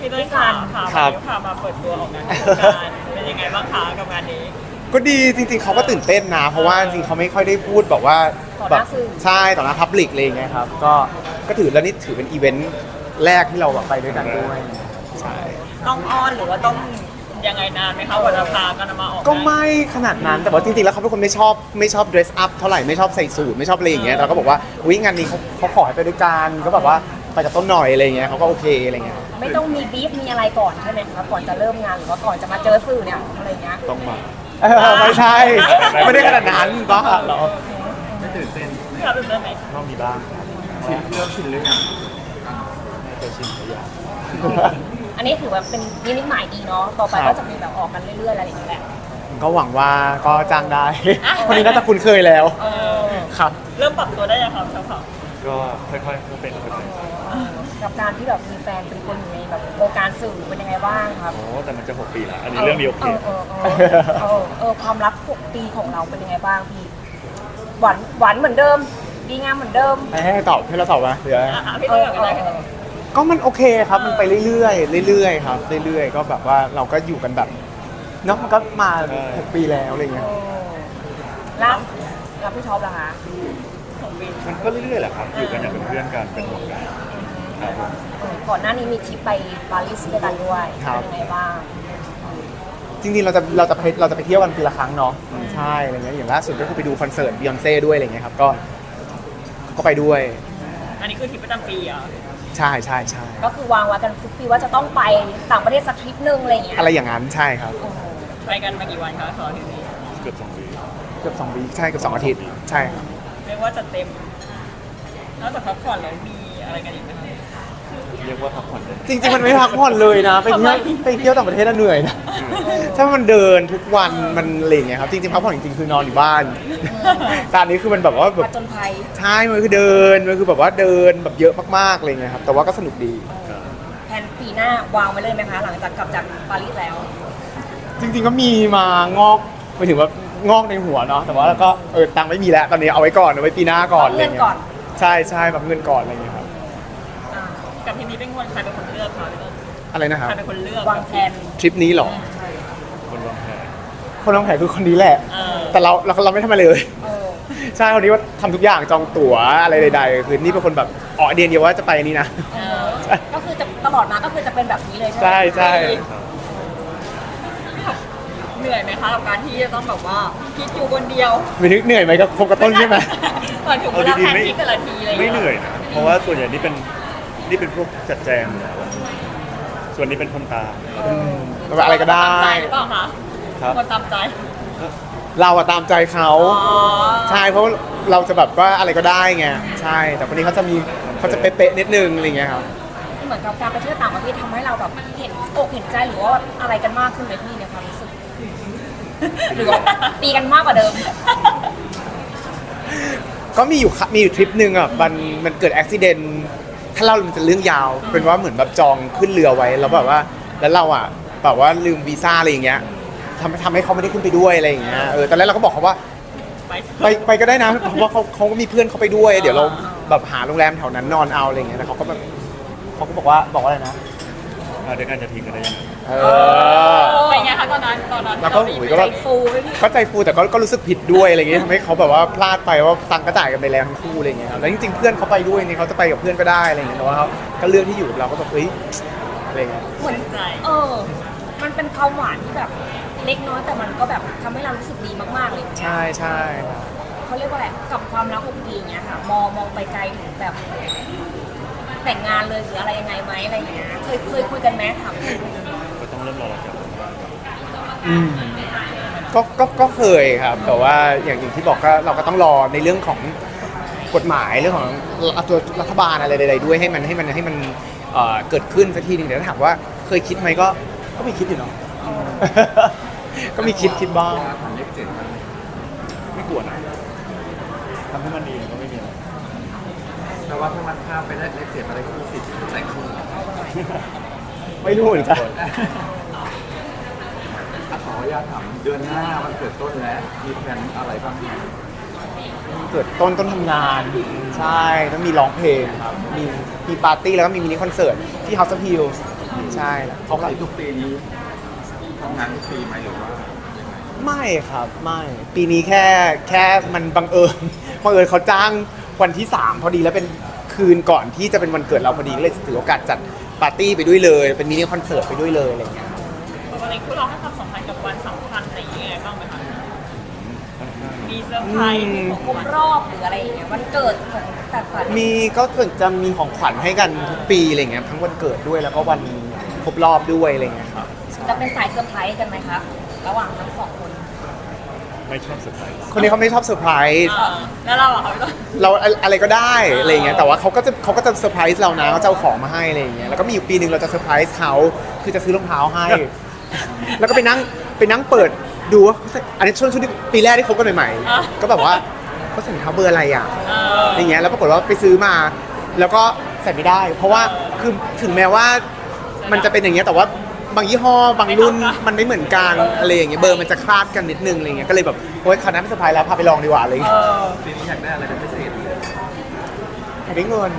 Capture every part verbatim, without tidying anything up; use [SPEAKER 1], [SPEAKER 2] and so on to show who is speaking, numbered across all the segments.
[SPEAKER 1] พี่ต้นค่ะพาพามาเปิดตัวออกงานโครงการเป็นยังไงบ้างคะกับงานนี้
[SPEAKER 2] ก็ดีจริงๆเขาก็ตื่นเต้นนะเพราะว่าจริงๆเขาไม่ค่อยได้พูดแบบว่าแบบใช่ต่อหน้าพับลิกอะไรอย่างเงี้ยครับก็ก็ถือแล้วนี่ถือเป็นอีเวนต์แรกที่เราแบบไปด้วยกันด้วยใช่
[SPEAKER 1] ต้องอ้อนหรือว่าต้องยังไงนานไหมคะกว่าจะพากันมาออก
[SPEAKER 2] ก็ไม่ขนาดนั้นแต่ว่าจริงๆแล้วเขาเป็นคนไม่ชอบไม่ชอบ dress up เท่าไหร่ไม่ชอบใส่สูทไม่ชอบอะไรอย่างเงี้ยเราก็บอกว่าอุ้ยงานนี้เขาเขาขอให้ไปด้วยกันก็แบบว่าไปกับต้นหน่อยอะไรเงี้ยเขาก็โอเคอะไรเงี้ย
[SPEAKER 3] ไม่ต้องมีบีฟมีอะไรก่อนใช่ไหมคะก่อนจะเริ่มงานหรือว่าก่อนจะมาเจอสื่อเนี่ยอะไรเงี้ย
[SPEAKER 4] ต้องมา
[SPEAKER 2] ไม่ใช่ไม่ได้ขนาดนั้นบ้าเหรอ
[SPEAKER 4] ไม่ตื่นเต้น
[SPEAKER 1] ครับตื่นเต้นไหม
[SPEAKER 4] ต้องมีบ้างชินเริ่มชินหรือยังจะชินหรือยัง
[SPEAKER 3] อันนี้ถือว่าเป็นนิมิตหมายดีเนาะต่อไปก็จะมีแบบออกกันเรื่อยๆอะไรอย่างเงี้ยแหละ
[SPEAKER 2] ก็หวังว่าก็จ้างได้คนนี้น่าจะคุ้นเคยแล้วครับ
[SPEAKER 1] เริ่มปรับตัวได้ยังครับครับ
[SPEAKER 4] ก็ค่อยๆเป็นค่อย
[SPEAKER 3] ๆกับการที่แบบมีแฟนเป็นคนอยู่ในแบบวงการสื่อเป็นยังไงบ้างครับ
[SPEAKER 4] โอ้แต่มันจะหกปีแล้วอันนี้เรื่องเดียวโอเค
[SPEAKER 3] เออเออเออความรักหกปีของเราเป็นยังไงบ้างพี่หวานหวานเหมือนเดิมดีงามเหมือนเดิม
[SPEAKER 2] ให้ตอบให้เราตอบมาเดี๋ยว
[SPEAKER 1] พี่ต้นก็ได้
[SPEAKER 2] ก็มันโอเคครับมันไปเรื่อยๆเรื่อยๆครับเรื่อยๆก็แบบว่าเราก็อยู่กันแบบเนาะมันก็มาหกปีแล้วอะไรเงี้ย
[SPEAKER 3] แล้วแล้วพี่ท็อปล่ะคะ
[SPEAKER 4] มันก็เรื่อยๆแหละครับอยู่กันอย่างเป็นเพื่อนกันเป็นห่วงกันครับ
[SPEAKER 3] ก่อนหน้านี้มีทริปไปปารีสด้วยกันด้วยเป็นยังไงบ้าง
[SPEAKER 2] จริงๆเราจะเราจะไปเราจะไปเที่ยวกันปีละครั้งเนาะใช่อะไรเงี้ยอย่างล่าสุดก็คือไปดูคอนเสิร์ตบิยอนเซ่ด้วยอะไรเงี้ยครับก็ก็ไปด้วย
[SPEAKER 1] อันนี้คือทริปประจำปีอ่ะ
[SPEAKER 2] ใช่ใช่ใช่
[SPEAKER 3] ก็คือวางไว้กันทุกปีว่าจะต้องไปต่างประเทศสักทริปนึงอะไรอย่างเงี้ย
[SPEAKER 2] อะไรอย่างนั้นใช่ครับ
[SPEAKER 1] ไปกันมากี่วันคะขอทีนี้
[SPEAKER 4] เกือบสองวี
[SPEAKER 2] เกือบสองวีใช่เกือบสองอาทิตย์ใช่ครับ
[SPEAKER 1] เรียกว่าจะเต็มนอกจากพักผ่อนแล้วมีอะไรกันอีกไหม
[SPEAKER 4] เรียกว่าพักผ่อนเลย
[SPEAKER 2] จริงๆมันไม่พักผ่อนเลยนะไปเที่ยวไปเที่ยวต่างประเทศน่ะเหนื่อยนะถ้ามันเดินทุกวันมันอะไรอย่างเงี้ยครับจริงๆพักผ่อนจริงๆคือนอนอยู่บ้านตอนนี้คือมันแบบว่าแบบ
[SPEAKER 3] จนภัย
[SPEAKER 2] ใช่มันคือเดินมันคือแบบว่าเดินแบบเยอะมากๆอะไรเงี้ยครับแต่ว่าก็สนุกดี
[SPEAKER 3] แผนปีหน้าวางไว้เลยไหมคะหลังจากกลับจากปารีสแล้ว
[SPEAKER 2] จริงๆก็มีมางอกไปถึงว่างอกในหัวเนาะแต่ว่าแล้วก็เออตังค์ไม่มีแล้วตอนนี้เอาไว้ก่อนเอาไว้ปีหน้าก่อนอะไรเงี้ยใช่ใช่แบบเงินก่อนอะไรเงี้ยครับ
[SPEAKER 1] กับทีนี้เป็นคนใครเป็นคนเลือกคะ
[SPEAKER 2] อะไรนะครับ
[SPEAKER 1] ใครเป็นคนเลือก
[SPEAKER 3] วางแผน
[SPEAKER 2] ทริปนี้หรอ
[SPEAKER 4] คนวางแผน
[SPEAKER 2] คนวางแผนคือคนนี้แหละแต่เราเราเราไม่ทำอะไรเลยใช่คนนี้ว่าทำทุกอย่างจองตั๋วอะไรใดๆคือนี่เป็นคนแบบอ๋อเดียนเดียวว่าจะไปนี่นะ
[SPEAKER 3] ก็คือจะตลอดมาก็คือจะเป็นแบบนี้เลยใช่ไหม
[SPEAKER 2] ใช่ใช่
[SPEAKER 1] เหนื่อยไหมคะกับการที่จะต้องแบบว่าคิดอยู่คนเดียว
[SPEAKER 2] ไม่นึกเหนื่อยไหมกับโฟกัสต้นใช่ไหม
[SPEAKER 1] ก่อนถึงเวลาแผนที่แต่ละทีเลย
[SPEAKER 4] ไม่เหนื่อยนะเพราะว่าส่วนใหญ่นี่เป็นนี่เป็นพวกจัดแจงส่วนนี้เป็นคนตาม
[SPEAKER 2] อะไรก็ได้
[SPEAKER 1] ตามใจหรือเปล่าคะคนตามใจ
[SPEAKER 2] เราอะตามใจเขาใช่เพราะเราจะแบบว่าอะไรก็ได้ไงใช่แต่คนนี้เขาจะมีเขาจะเป๊ะๆนิดนึงอะไรเงี้ยครับ
[SPEAKER 3] เหมือนกับการไปเที่ยวต่างประเทศทำให้เราแบบเห็นอกเห็นใจหรือว่าอะไรกันมากขึ้นไหมพี่ในความรู้สึกหรือว่าตีกันมากกว่าเดิม
[SPEAKER 2] ก็มีอยู่มีอยู่ทริปหนึ่งอ่ะมันมันเกิดอุบิเหตุถ้าเล่ามันจะเรื่องยาวเป็นว่าเหมือนแบบจองขึ้นเรือไว้แล้วแบบว่าแล้วเราอ่ะแบบว่าลืมวีซ่าอะไรอย่างเงี้ยทำทำให้เขาไม่ได้ขึ้นไปด้วยอะไรอย่างเงี้ยเออตอนแรกเราก็บอกเขาว่าไปไปก็ได้นะเพราะว่าเขาเขาก็มีเพื่อนเขาไปด้วยเดี๋ยวเราแบบหาโรงแรมแถวนั้นนอนเอาอะไรอย่างเงี้ยแต่เขาก็แบบเขาก็บอกว่าบอกว่าอะไรนะ
[SPEAKER 4] เดี๋ยวกันจะทิ้งกันได้ยังไง
[SPEAKER 2] เอ
[SPEAKER 1] อไปไงคะตอนนั้นตอนนั้น
[SPEAKER 2] แล้วก็หุยก็ใจฟูก็ใจฟูแต่ก็ก็รู้สึกผิดด้วยอะไรเงี้ยทำให้เขาแบบว่าพลาดไปว่าตังก็จ่ายกันไปแล้วทั้งคู่อะไรเงี้ยแล้วจริงๆเพื่อนเขาไปด้วยนี่เขาจะไปกับเพื่อนก็ได้อะไรเงี้ยแต่ว่าเขาก็เลือกที่อยู่เราก็แบบเฮ้ยอะไรเงี้ย
[SPEAKER 3] เหมือนใจเออมันเป็นความหวานที่แบบเล็กน้อยแต่มันก็แบบทำให้เรารู้สึกดีมากๆเลย
[SPEAKER 2] ใช่ใช่
[SPEAKER 3] เขาเรียกว่าอะไรกับความรักหกปีเงี้ยค่ะมองมองไปไกลถึงแบบแต่งงานเลยหรืออะไรยังไงไหมอะไรอย่างเงี้ยเคยเคยคุยกันไหมถาม
[SPEAKER 4] ก็ต้องเริ่มรอเราจับ
[SPEAKER 2] อืมก็ก็ก็เคยครับแต่ว่าอย่างอย่างที่บอกก็เราก็ต้องรอในเรื่องของกฎหมายเรื่องของตัวรัฐบาลอะไรใดๆด้วยให้มันให้มันให้มันเกิดขึ้นสักทีนึงเดี๋ยวถามว่าเคยคิดไหมก็ก็มีคิดอยู่เนาะก็มีคิดคิดบ้าง
[SPEAKER 4] ไม่กลัวนะทำให้มันดีก็ไม่มีอะไร
[SPEAKER 5] แต่ว่าถ้ามันข้ามไปได้เลขเจ็ดอะไรก็มีสิทธิ์แต่งคู่
[SPEAKER 2] ไม่รู้เหมือนกัน
[SPEAKER 5] ขออนุญาตถามเดือนหน้าวันเกิดต้นแล้วมีแผนอะไรบ้าง
[SPEAKER 2] เกิดต้นต้นทำงานใช่ต้องมีร้องเพลงครับมีมีปาร์ตี้แล้วก็มีมินิคอนเสิร์ตที่ House of Hills ใช่แล้ว
[SPEAKER 5] ป
[SPEAKER 2] เขา
[SPEAKER 5] ก
[SPEAKER 2] ก็
[SPEAKER 5] ติทุกปีนี้ทำงานทุกปีไหมหรือว่า
[SPEAKER 2] ไม่ครับไม่ปีนี้แค่แค่มันบังเอิญ บังเอิญเขาจ้างวันที่สามพอดีแล้วเป็นคืนก่อนที่จะเป็นวันเกิดเราพอดีก็เลยถือโอกาสจัดปาร์ตี้ไปด้วยเลยเป็นมินิคอนเสิร์ตไปด้วยเลยอะไรอย่างเงี้ย
[SPEAKER 1] ปกติคู่เราให้ความสำคัญกับวันสำคัญอะไรอย่างเงี้ยบ้างไหมคะมีเซอร์ไพรส์มีของ
[SPEAKER 3] ครบรอบหรืออะไรอย่างเงี้ยวันเกิดของแต่ฝัน
[SPEAKER 2] มีก็ส่วนจะมีของขวัญให้กันทุกปีอะไรเงี้ยทั้งวันเกิดด้วยแล้วก็วันครบรอบด้วยอะไรเงี้ยครับ
[SPEAKER 3] จะเป็นสายเซอร์ไพรส์กันไหมคะระหว่างทั้งสองคน
[SPEAKER 4] ไม่ชอบเซอร์ไพรส์
[SPEAKER 2] คนนี้เขาไม่ชอบเซอร์ไพรส์
[SPEAKER 1] เออแล้วเราอะคะพี่ต้น
[SPEAKER 2] เราอะไรก็ได้อะไรเงี้ยแต่ว่าเขาก็จะเขาก็จะเซอร์ไพรส์เรานะเขาจะเอาของมาให้อะไรเงี้ยแล้วก็มีอยู่ปีหนึ่งเราจะเซอร์ไพรส์เขาคือจะซื้อรองเท้าให้ แล้วก็ไปนั่งไปนั่งเปิดดูว่าเขาใส่อันนี้ช่วงช่วงที่ปีแรกที่คบกันใหม่ๆก็แบบว่าเขาใส่รองเท้าเบอร์อะไรอ่ะ
[SPEAKER 1] เออ
[SPEAKER 2] อย่างเงี้ยแล้วปรากฏว่าไปซื้อมา แล้วก็ใส่ไม่ได้ เพราะว่าคือถึงแม้ว่ามันจะเป็นอย่างเงี้ยแต่ว่าบางยี่ห้อบางรุ่นมันไม่เหมือนกันอะไรอย่างเงี้ยเบอร์มันจะคลาดกันนิดนึงอะไรเงี้ยก็เลยแบบโอ๊ยคราวนั้นไม่สบายแล้วพาไปลองดีกว่าอะไรอย่าง
[SPEAKER 1] เอ
[SPEAKER 2] เงี้ย
[SPEAKER 1] อ
[SPEAKER 5] ปีนี้อยากได้อะไรเป็นพิเศษ
[SPEAKER 2] อยากได้เงิน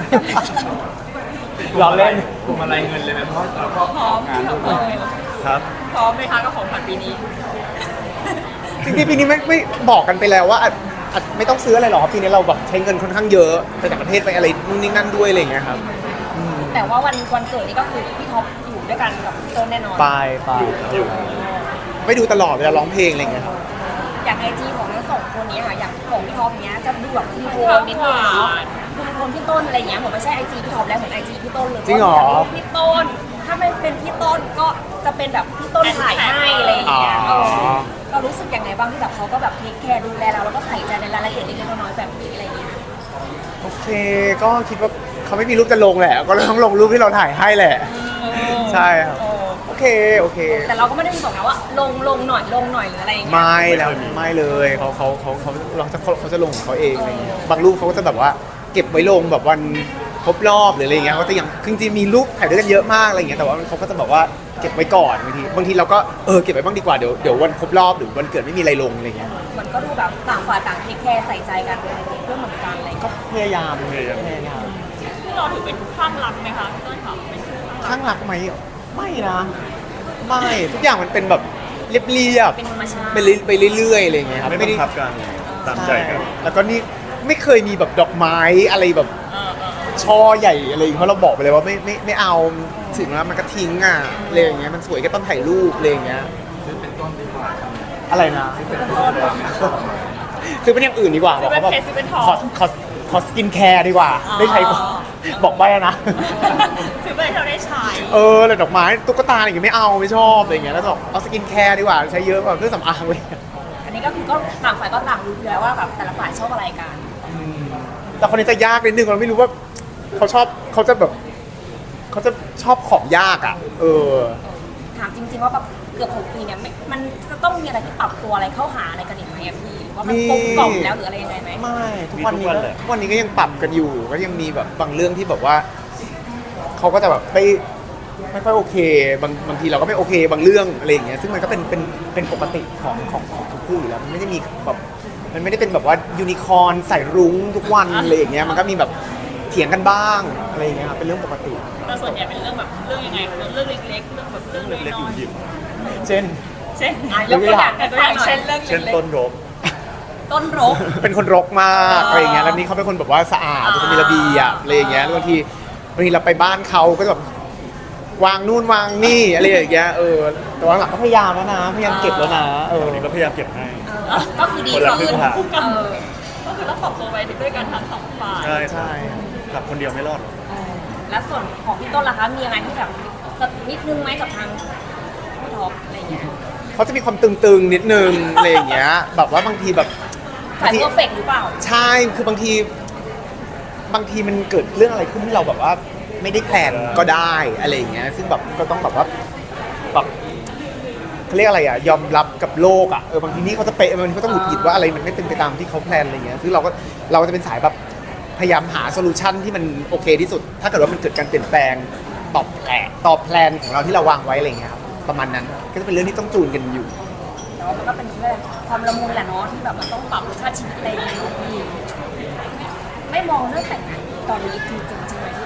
[SPEAKER 2] ล้อเล่น
[SPEAKER 5] กลุ่มอะไรเงินเลยไหมเพราะเราก็
[SPEAKER 1] พร้อม
[SPEAKER 5] งาน
[SPEAKER 1] ที่
[SPEAKER 5] ทุก
[SPEAKER 1] เอ
[SPEAKER 5] วัน
[SPEAKER 1] อ
[SPEAKER 4] ครับ
[SPEAKER 1] พร้อมไหมคะกับของขวัญปีนี้
[SPEAKER 2] จริงๆปีนี้ไม่ไม่บอกกันไปแล้วว่าอาจอาจไม่ต้องซื้ออะไรหรอกครับปีนี้เราแบบใช้เงินค่อนข้างเยอะไปต่างประเทศไปอะไรนู่นนี่นั่นด้วยอะไรอย่างเงี้ยครับ
[SPEAKER 3] แต่ว่าวันวันเกิดนี่ก็คือพี่ท็อปอยู่ด้วยกันกับพี่ต้นแน่นอน
[SPEAKER 2] ไปไป
[SPEAKER 4] อยู่
[SPEAKER 2] ไม่ดูตลอดเวลาร้องเพลงอะไรอย่างเงี้ยครับ
[SPEAKER 3] อย่างไอจีของทั้งสองคนนี้ค่ะอย่างของพี่ท็อปเนี้ยจะดูแบบมีโทนนิดนึงเนาะดูโทนพี่ต้นอะไรเงี้ยเหมือนไม่ใช่ไอจีพี่ท็อปแล้วเหมือนไอจีพี่ต้นเลย
[SPEAKER 2] จริงเหรอ
[SPEAKER 3] พี่ต้นถ้าไม่เป็นพี่ต้นก็จะเป็นแบบพี่ต้นถ่ายให้อะไรอย่างเงี้ย
[SPEAKER 2] อ๋อ
[SPEAKER 3] เออเรารู้สึกยังไงบ้างที่แบบเขาก็แบบเทคแคร์ดูแลเราแล้วก็ใส่ใจในรายละเอียดเล็กๆน้อยๆแบบนี้อะไรเงี้ย
[SPEAKER 2] โอเค ก็คิดว่าเขาไม่มีรูปจะลงแหละ ก็เลยต้องลงรูปที่เราถ่ายให้แหละ ใช่ครับ
[SPEAKER 3] เออ
[SPEAKER 2] โอเค โอเค
[SPEAKER 3] แต่เราก็ไม่ได้บอกนะว่าลงลงหน่อยลงหน่อยหรืออะไรอย่างเงี้ย
[SPEAKER 2] ไม่แล้วไม่เลยเขาเขาเขาเขาเราจะเขาจะลงของเขาเองอะไรเงี้ยบางรูปเขาก็จะแบบว่าเก็บไว้ลงแบบวันครบรอบหรืออะไรเงี้ยเขาจะยังคือจริงๆมีรูปถ่ายด้วยกันเยอะมากอะไรเงี้ยแต่ว่าเขาก็จะแบบว่าเก็บไว้ก่อนบางทีบางทีเราก็เออเก็บไว้บ้างดีกว่าเดี๋ยวเดี๋ยววันครบรอบหรือวันเกิดไม่มีอะไรลงอะไรเงี้ย
[SPEAKER 3] มันก็ดูแบบต่างฝ่ายต่างเทคแคร์ใส่ใจกันเรื่องเหมือนกันอะไรอย่าง
[SPEAKER 2] ก็
[SPEAKER 3] เงี้ย
[SPEAKER 2] พยายาม
[SPEAKER 4] พยายาม
[SPEAKER 2] พยายาม
[SPEAKER 1] ที่เราถือเป็นข้างรักไหมคะพี่ต้นค่ะเป็นข้างรัก
[SPEAKER 2] ข้างรักไหมไม่นะไม่ทุกอย่างมันเป็นแบบเรียบเรียบ
[SPEAKER 3] เป็นธรรมชาติ
[SPEAKER 2] ไปเรื่อยไปเรื่อยๆอะไรอย่างเงี้ยครับ
[SPEAKER 4] ไม่บังคับกันตามใจกัน
[SPEAKER 2] ช่แล้วก็นี่ไม่เคยมีแบบดอกไม้อะไรแบบ
[SPEAKER 1] เออเออ
[SPEAKER 2] ช่อใหญ่อะไรอย่างเงี้ยเพราะเราบอกไปเลยว่าไม่ไม่ไม่เอาถึงแล้วมันก็ทิ้งอ่ะอะไรอย่างเงี้ยมันสวยแค่ต้นถ่ายรูปอะไรอย่างเงี้ย
[SPEAKER 5] ซื้อเป็นต้นดีกว่า
[SPEAKER 2] อะไรนะ
[SPEAKER 5] เป็นต้นดีกว่า
[SPEAKER 2] ซื้อเป็นอย่างอื่นดีกว่า
[SPEAKER 1] ซื้อเป็น
[SPEAKER 2] ว่า
[SPEAKER 1] เพชรซื้อเป็นทอง
[SPEAKER 2] ขอขอขอสกินแคร์ดีกว่า
[SPEAKER 1] อ๋อ
[SPEAKER 2] ได้ใช้ก่อนบอกไปอะนะ
[SPEAKER 1] ถือเป็นที่เราได้ใช้
[SPEAKER 2] เออแต่ดอกไม้ตุ๊กตาอะไรอย่างเงี้ยไม่เอาไม่ชอบอะไรอย่างเงี้ยแล้วก็บอกเอาสกินแคร์ดีกว่าใช้เยอะกว่าเครื่องสำอางเลย
[SPEAKER 3] อันนี้ก็คือก็ต่างฝ่ายก็ต่างรู้อยู่แล้วว่าแบบแต่ละฝ่ายชอบอะไรกัน
[SPEAKER 2] แต่คนนี้จะยากนิดนึงเราไม่รู้ว่าเขาชอบเขาจะแบบเขาจะชอบของยากอ่ะ เออ
[SPEAKER 3] ถามจริง ๆ ว่าแบบเกือบหกปีเนี่ยไม่มันจะต้องมีอะไรที่ปรับตัวอะไรเข้าหาอะไรกันอีกไหมอะพี่ว่ามัน
[SPEAKER 2] มี
[SPEAKER 3] กลมกล่อมแล้วหรืออะไรยังไงไหม
[SPEAKER 2] ไม่ทุกวันนี้
[SPEAKER 4] มีทุกวัน
[SPEAKER 2] ก็
[SPEAKER 4] เลย
[SPEAKER 2] ทุกวันนี้ก็ยังปรับกันอยู่ ก็ยังมีแบบบางเรื่องที่แบบว่าเขาก็จะแบบไม่ไม่ค่อยโอเค บางบางทีเราก็ไม่โอเค บางเรื่องอะไรอย่างเงี้ยซึ่งมันก็เป็นเป็นเป็นปกติของของของทุกคู่อยู่แล้วมันไม่ได้มีแบบมันไม่ได้เป็นแบบว่ายูนิคอร์นใส่รุ้งทุกวันอะไรอย่างเงี้ยมันก็มีแบบเถียงกันบ้างอะไรอย่างเงี้ยครับเป็นเรื่องปกติ
[SPEAKER 1] แต่ส่วนใหญ่เป็นเรื่องแบบเรื่องยังไงคะเรื่องเล็กๆเรื่องแบบเรื่อง
[SPEAKER 4] เล็กๆ
[SPEAKER 1] น้อย
[SPEAKER 4] หยิบ
[SPEAKER 2] เช่น
[SPEAKER 1] ๆเช่น
[SPEAKER 3] อ่ะยกตัวอย่าง
[SPEAKER 1] ตัวอย่างเช่นเรื่อง
[SPEAKER 4] ๆเช่น
[SPEAKER 1] เล็ก
[SPEAKER 4] ต้นรก
[SPEAKER 3] ต้นรก
[SPEAKER 2] เป็นคนรกมากอะไรอย่างเงี้ย แล้วนี่เขาเป็นคนแบบว่าสะอาดเป็นคนมีระเบียบอะไรอย่างเงี้ย แล้วบางทีบางทีเราไปบ้านเขาก็จะแบบวางนู่นวางนี่อะไรอย่างเงี้ย เออ แต่ว่าหลังก็พยายามแล้วนะ พยายามเก็บแล้วนะ เออ
[SPEAKER 4] วันนี้ก็พยายามเก็บให้
[SPEAKER 3] เออก็คือดี
[SPEAKER 4] คนละครึ่
[SPEAKER 3] ขึ้น
[SPEAKER 4] งทาง
[SPEAKER 3] เออ
[SPEAKER 1] ก็คือต้องปรับตัวไปด้วยกันทั้งสองฝ่าย
[SPEAKER 4] ใช่
[SPEAKER 2] ใช่
[SPEAKER 4] กลับคนเดียวไม่รอดหรอก
[SPEAKER 3] เออแล้วส่วนของพี่ต้นล่ะคะมีอะไรที่แบบจะนิดนึงไหมกับทางพี่ท็อปอะไรอย่างเงี้ย
[SPEAKER 2] เขาจะมีความตึงๆนิดนึงอะไรอย่างเงี้ย แบบว่าบางทีแบบ
[SPEAKER 3] สายเพอร์เฟกต์หรือเปล่า
[SPEAKER 2] ใช่ คือบางทีบางทีมันเกิดเรื่องอะไรขึ้นที่เราแบบว่าไม่ได้แพลนก็ได้อะไรอย่างเงี้ย ซึ่งแบบก็ต้องแบบว่าแบบเขาเรียกอะไรอ่ะ ยอมรับกับโลกอ่ะ เออบางทีนี่เขาจะเป๊ะบางทีเขาต้องหงุดหงิดว่าอะไรมันไม่เป็นไปตามที่เขาแพลนอะไรเงี้ย ซึ่งเราก็เราก็จะเป็นสายแบบพยายามหาโซลูชันที่มันโอเคที่สุด ถ้าเกิดว่ามันเกิดการเปลี่ยนแปลงตอบแผลตอบแพลนของเราที่เราวางไว้อะไรเงี้ยครับ ประมาณนั้น ก็จะเป็นเรื่องที่ต้องจูนกันอยู่
[SPEAKER 3] แต่ว่ามันก็เป็นเรื่องความละมุนแหละเนาะที่แบบมันต้องปรับรสชาติชีวิตอะไรอย่างเงี้ยพี่ไม่มองเรื่องแต่งงานตอนนี้จริงๆใช่ไหมที่แบบ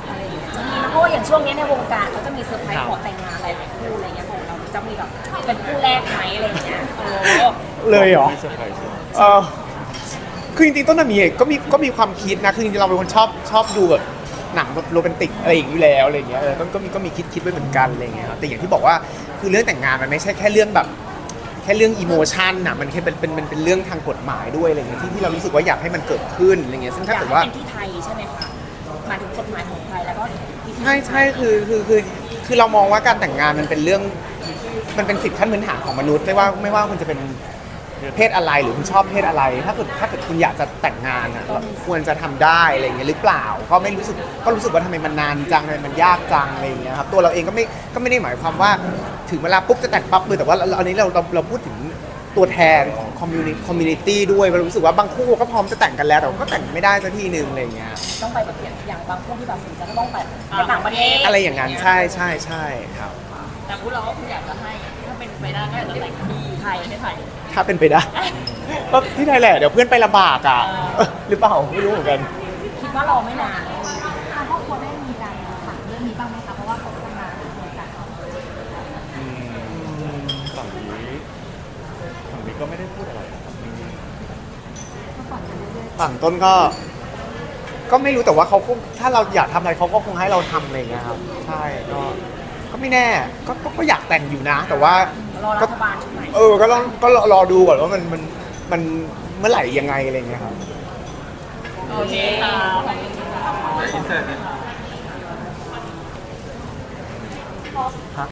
[SPEAKER 3] อะไรอย่างเงี้ยจะมีนะเพราะว่าอย่างช่วงนี้ในวงการเขาจะมีเซอร์ไพรส์ขอแต่งงานหลายๆคู่อะไรเงี้ยของเราจะมีแบบเป็นคู่แรกไหมอะไรอย่างเงี้ยโอ้
[SPEAKER 2] เลยเหรอ
[SPEAKER 4] มีเซอร์ไพรส์
[SPEAKER 2] เออคือจริงๆต้นน่ะมีก็มีก็มีความคิดนะคือจริงๆเราเป็นคนชอบชอบดูแบบหนังโรแมนติกอะไรอย่างนี้อยู่แล้วอะไรอย่างเงี้ยเออก็ก็มีก็มีคิดคิดไว้เหมือนกันอะไรอย่างเงี้ยครับแต่อย่างที่บอกว่าคือเรื่องแต่งงานมันไม่ใช่แค่เรื่องแบบแค่เรื่องอิโมชันน่ะมันแค่เป็นเป็นมันเป็นเรื่องทางกฎหมายด้วยอะไรเงี้ยที่ที่เรารู้สึกว่าอยากให้มันเกิดขึ้นอะไรเงี้ยซึ่ง
[SPEAKER 3] อ
[SPEAKER 2] ถ้าย
[SPEAKER 3] าก
[SPEAKER 2] เกิด
[SPEAKER 3] ให้
[SPEAKER 2] ว่า
[SPEAKER 3] เป็นที่ไทยใช่ไหมคะหมายถึงกฎหมายของไทยแล้วก็ที่
[SPEAKER 2] ใช่ใช่คือคือคือคือเรามองว่าการแต่งงานมันเป็นเรื่องมันเป็นสิทธิขั้นพื้นฐานของมนุษย์ไม่ว่าไม่ว่าคุณจะเป็นเพศอะไรหรือคุณชอบเพศอะไร ถ้าเกิดถ้าเกิดคุณอยากจะแต่งงานอ่ะเราควรจะทำได้อะไรเงี้ยหรือเปล่าก็ไม่รู้สึกก็รู้สึกว่าทำไมมันนานจังทำไมมันยากจังอะไรอย่างเงี้ยครับตัวเราเองก็ไม่ก็ไม่ได้หมายความว่าถึงเวลาปุ๊บจะแต่งปั๊บเลยแต่ว่าเราอันนี้เราเราเราพูดถึงตัวแทนของคอมมูนิคอมมูนิตี้ด้วยเรารู้สึกว่าบางคู่ก็พร้อมจะแต่งกันแล้วแต่ก็แต่งไม่ได้สักทีนึงอะไรอย่างเงี้ย
[SPEAKER 3] ต้องไปแบบอย่างบางคู่ที่แบบสนใจก็ต้องไปไปต่างประเทศ
[SPEAKER 2] อะไรอย่างนั้นใช่ใช่ใช่ครับ
[SPEAKER 1] แต่พวกเราก็คืออยากจะให้ถ้าเป็นไปได้ก็อยากจะแต่งที่ไทยไม่ไทย
[SPEAKER 2] ถ้าเป็นไปได้ ก็ที่ไทยแหละเดี๋ยวเพื่อนไปลำบากอ่ะเออหรือเปล่าไม่รู้เหมือนกัน
[SPEAKER 3] คิดว่ารอไม่นาน
[SPEAKER 6] ทางครอบครัวได้มีการถามเรื่องนี้บ้างไหมคะเพราะว่าเขาทำงานเหมือนกัน
[SPEAKER 4] อืมฝั่งนี้ฝั่งนี้ก็ไม่ได้พูดอะไรนะครับ
[SPEAKER 6] ก็ก่อนจะเรื่อย
[SPEAKER 2] ฝั่งต้นก็ ก็ไม่รู้แต่ว่าเขาคงถ้าเราอยากทำอะไรเขาก็คงให้เราทำอะไรอย่างเงี้ยครับใช่ก็ก็ไม่แน่ก็ก็ก็อยากแต่งอยู่นะ แต่ว่า
[SPEAKER 3] รอรัฐบาลชุดใหม่
[SPEAKER 2] เออก็ต้องก็รอรอดูก่อนว่ามันมันมันเมื่อไหร่ยังไงอะไรอย่างเงี้ยครับ
[SPEAKER 1] โอเคค่ะ
[SPEAKER 5] อินเสิร์ตเนี่ย
[SPEAKER 3] ข